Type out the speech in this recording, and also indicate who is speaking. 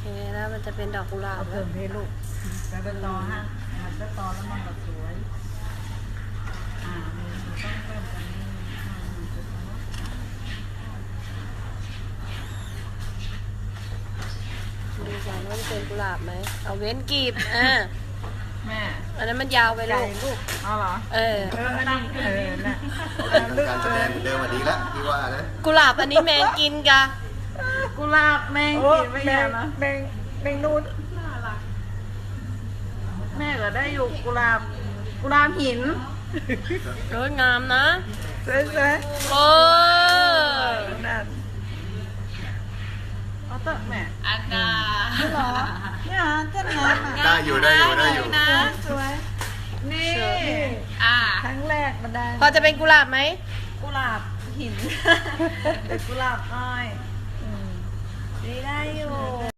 Speaker 1: แล้วมันจะเป็นดอกกุหลาบ
Speaker 2: เอาเพิ่มเพลูกไปต่อฮะมันจะต่อแล้วมันก็สวยนี่ต้องเพิ่มกันนี่
Speaker 1: ดูก่อนว่ามันเป็นกุหลาบไหมเอาเว้นกีบ
Speaker 2: แม่
Speaker 1: อันนั้นมันยาวไปลูก
Speaker 2: เอาเหรอนั่งน่ะ
Speaker 3: การแสดงเดิมมาดีแล้วพี่ว่านะ
Speaker 1: กุหลาบอันนี้แมงกินกะ
Speaker 2: กุหลาบแมงกินไม่ใช่นะแมงนูนแม่ก็ได้อยู่กุหลาบหิน
Speaker 1: สวยงามนะ
Speaker 2: สวย
Speaker 1: โอ้
Speaker 2: นั่นเอาเตอะแม่
Speaker 1: อันดา
Speaker 2: เหรอเนี่ยเต้นงามอ่ะ
Speaker 3: ได้อยู่
Speaker 1: นะ
Speaker 2: สวยนี่ ครั้งแรกมันได้
Speaker 1: พอจะเป็นกุหลาบไหม
Speaker 2: กุหลาบหิน แต่กุหลาบอ้อยได้อยู่